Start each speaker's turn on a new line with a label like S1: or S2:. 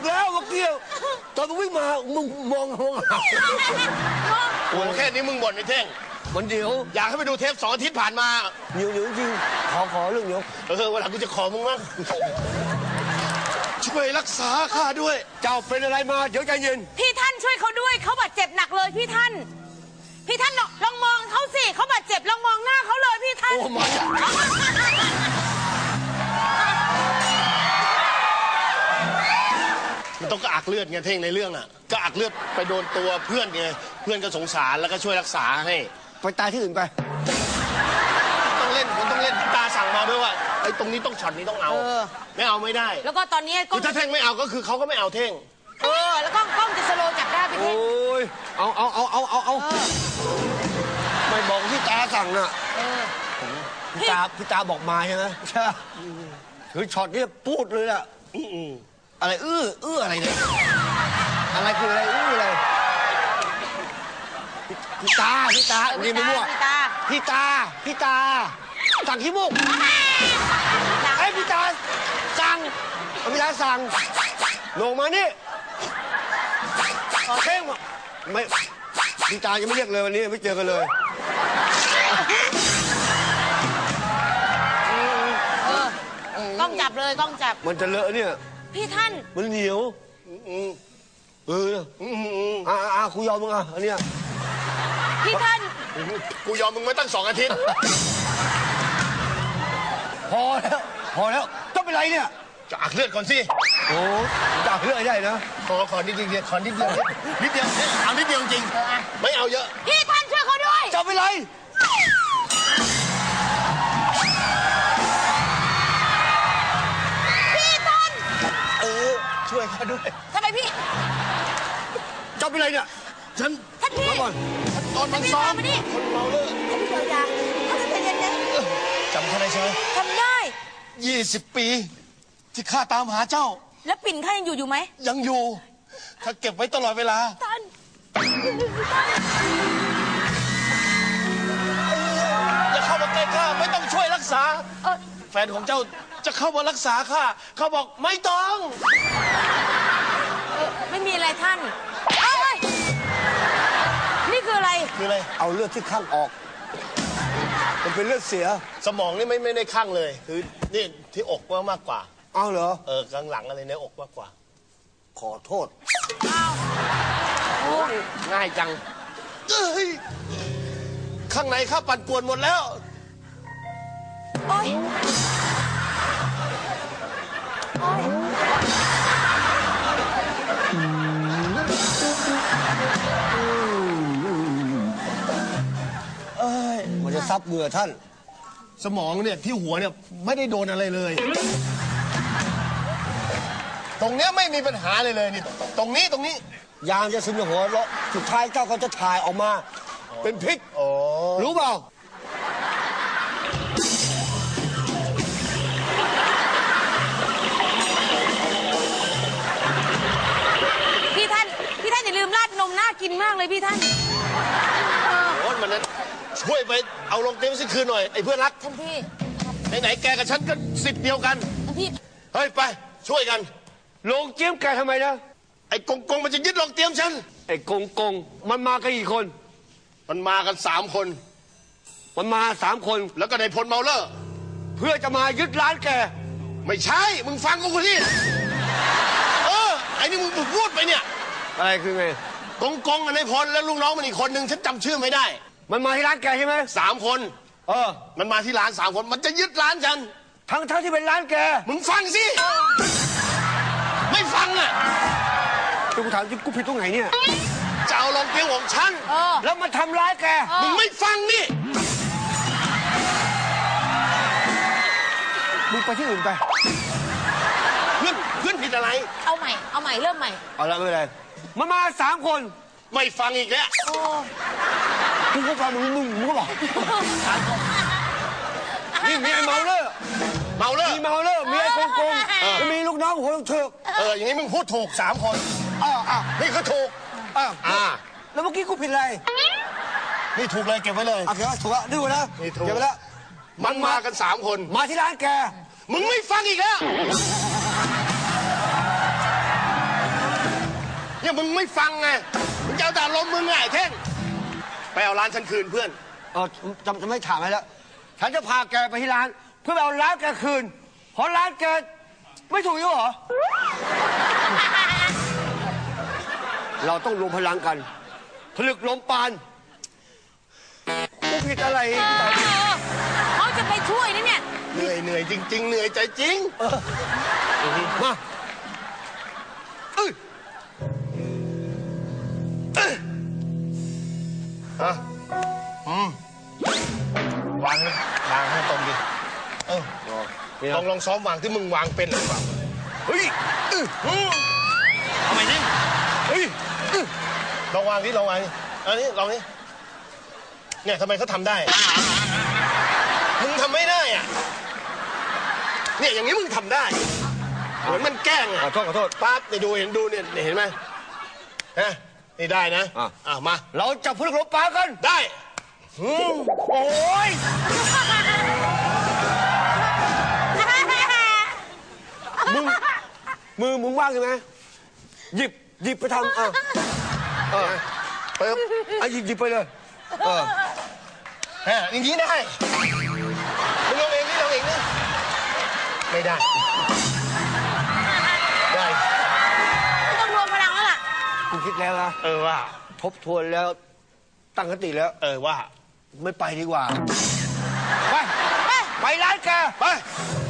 S1: แล้วเมื่อกี้ตอนมึงวิ่งมามึงมอง
S2: โอ้แค่นี้มึงบ่นไอ้เท่ง
S1: มันเดี๋ยว
S2: อยากให้ไปดูเทป2 อาทิตย์ผ่านมา
S1: เดี๋ยวจริงขอเรื่องเดี๋ยว
S2: วันหลังกูจะขอมึงมั้งช่วยรักษาข้าด้วย
S1: เจ้าเป็นอะไรมาเดี๋ยวใจเย็น
S3: พี่ท่านช่วยเขาด้วยเขาบาดเจ็บหนักเลยพี่ท่านลองมองเขาสิเขาบาดเจ็บลองมองหน้าเขาเลยพี่ท่าน
S1: โอ้มา
S2: มันต้องกระอักเลือดไงเท่งในเรื่องอ่ะกระอักเลือดไปโดนตัวเพื่อนไงเพื่อนก็สงสารแล้วก็ช่วยรักษาให้
S1: ไปตายที่อื่นไป
S2: ต้องเล่นผมต้องเล่นตาสั่งมาด้วยว่าไอ้ตรงนี้ต้องช็อตนี้ต้องเอาไม่เอาไม่ได้
S3: แล้วก็ตอนนี้
S2: คือถ้าเท่งไม่เอาก็คือเขาก็ไม่เอาเท่ง
S3: แล้วก็กล้องจะสโลว์จับได้พี่เท่ง
S1: โอ้ยเอาไม่บอกพี่ตาสั่งน่ะพี่ตาบอกมาใช่ไหมใช่คือช็อตนี้พูดเลยล่ะอะไรอะไรเนี่ยอะไรคืออะไรอะไรพี่ตานี่ไม่รู้พี่ตาสั่งขี้มุกไอ้พี่ตาสั่งลงมานี่เท่งไม่พี่ตายังไม่เรียกเลยวันนี้ไม่เจอกันเลย
S3: กล้องจับเลยกล้องจับ
S1: มันจะเลอะเนี่ย
S3: พี่ท่าน
S1: มันเหนียวกูยอมมึงอันเนี้ย
S3: พี่ท่าน
S2: กูยอมมึงมาตั้ง2 อาทิตย์
S1: พอแล้วต้องเป็นไรเนี่ย
S2: จะอักเลือดก่อนสิ
S1: โอ้จะอักเลือดได้นะ
S2: ขอนิดเดียวเอานิดเดียวจริงไม่เอาเยอะ
S3: พี่ท่านช่วยเขาด้วย
S1: จะเป็นไร
S3: พี่ท่าน
S2: ช่วยเขาด้วย
S3: ทำไมพี่
S1: จะเป็นไรเนี่ย
S3: ท่านพี่
S2: ตอนมันซ้อมคนเมาเลย
S3: ท่านพี่เยียวยาท่านใจเย็นนะ
S2: จำเขาได้ใช่ไหม
S3: จำได้
S2: 20 ปีที่ข้าตามหาเจ้า
S3: แล้วปิ่นข้ายังอยู่ไหม
S2: ยังอยู่ข้าเก็บไว้ตลอดเวลา
S3: ท่าน
S2: อย่าเข้ามาใกล้ข้าไม่ต้องช่วยรักษาแฟนของเจ้าจะเข้ามารักษาข้าเขาบอกไม่ต้อง
S3: ไม่มีอะไรท่านนี่คืออะไร
S1: เอาเลือดที่ข้างออกมันเป็นเลือดเสีย
S2: สมองนี่ไม่ได้ข้างเลยคือนี่ที่อกมากกว่า
S1: เอาเหรอ
S2: ข้างหลังอะไรในอกมากกว่า
S1: ขอโทษ
S2: ง่ายจังข้างในข้าปั่นป่วนหมดแล้ว
S1: มันจะซับเหงื่อท่าน
S2: สมองเนี่ยที่หัวเนี่ยไม่ได้โดนอะไรเลยตรงเนี้ยไม่มีปัญหาเลยนี่ตรงนี้
S1: ยางจะซึมในหัวแล้วสุดท้ายเจ้าก็จะถ่ายออกมาเป็นพิษรู้เปล่า
S3: พี่ท่านอย่าลืมราดนมน่ากินมากเลยพี่ท่าน
S2: โอ้มันนั้นช่วยไปเอาลงเต็มสิคืนหน่อยไอ้เพื่อนรัก
S3: ท่านพี่
S2: ไหนแกกับฉันก็สิทธิ์เดียวกัน
S3: ท่านพี่
S2: เฮ้ยไปช่วยกัน
S1: ลงเจียมแกทำไมนะ
S2: ไอ้กงมันจะยึดลงเตรียมฉัน
S1: ไอ้กงมันมากันกี่คน
S2: มันมากัน3 คน
S1: มันมา3 คน
S2: แล้วก็นายพลเมาเลอร์
S1: เพื่อจะมายึดร้านแก
S2: ไม่ใช่มึงฟังกูคนนี้ไอ้นี่มึงพูดไปเนี่ย
S1: อะไรคือไง
S2: กงกับนายพลแล้วลูกน้องมันอีกคนนึงฉันจำชื่อไม่ได้
S1: มันมาที่ร้านแกใช่ไหม
S2: 3 คนมันมาที่ร้าน3 คนมันจะยึดร้านฉัน
S1: ทั้งที่เป็นร้านแก
S2: มึงฟังสิไม่ฟังอ่ะ
S1: กูถามจริงกูผิดตรงไหนเนี่ย
S2: จะเอาลงเตียงของฉัน
S1: แล้วมาทำร้ายแก
S2: มึงไม่ฟังนี่
S1: มึงไปที่อื่นไป
S2: เพื่อนผิดอะไร
S3: เอาใหม่เริ่มใหม่
S1: เอาละไม่เป็นไรมันมา3 คน
S2: ไม่ฟังอีกแล้ว
S1: กูก็ฟังมึงก็บอกนี่มีไอ้เมาเลอร์มีเมาเลอร์มีไอ้กงมีลูกน้องหัวเถิก
S2: อย่างนี้มึงพูดถูก3 คนนี่ก็ถูก
S1: แล้วเมื่อกี้กูผิดอะไร
S2: นี่ถูกเลยเก็บไว้เลย
S1: โอเคถูกแล้วดูนะเก็บไว้แล้ว
S2: มันมากัน3 คน
S1: มาที่ร้านแก
S2: มึงไม่ฟังอีกแล้วเนี่ยมึงไม่ฟังไงมึงจะเอาแต่ลมณ์มึงไงไอ้เท่งไปเอาร้านฉันคืนเพื่อน
S1: จะไม่ถามอะไรแล้วฉันจะพาแกไปที่ร้าน เพื่อไปเอาร้านแกคืนเพราะร้านแกไม่ถูกอยู่เหรอ เราต้องรวมพลังกันผลึกลมปานกูผิดอะไร
S3: เขาจะไปช่วยนะเนี่ย
S2: เหนื่อยจริง ๆ เหนื่อยใจจริง
S1: มา
S2: วางนะวางให้ตรงดิลองซ้อมวางที่มึงวางเป็นหรือเปล่า
S1: เฮ้ย
S2: ทำไมนี่เฮ้ยลองวางดิลองวางดิอันนี้ลองนี่เนี่ยทำไมเขาทำได้มึงทำไม่ได้อ่ะเนี่ยอย่างนี้มึงทำได้เหมือนมันแกล้งอ่ะ
S1: ขอโทษ
S2: ปั๊บนี่ดูเห็นไหมฮะนี่ได้นะมา
S1: เราจับผลึกลมปานกัน
S2: ได้
S1: โอ้ยมึงว่างใช่ไหมหยิบไปทำ
S2: ปึ๊บ
S1: หยิบไปเลย
S2: อย่างนี้ได้มึงลองเองนี่ไม่ได้
S3: ต้องรวมพลังแล้วล่ะ
S1: กูคิดแล้วนะ
S2: ว่า
S1: ทบทวนแล้วตั้งสติแล้ว
S2: ว่า
S1: ไม่ไปดีกว่าไปร้านแก
S2: ไป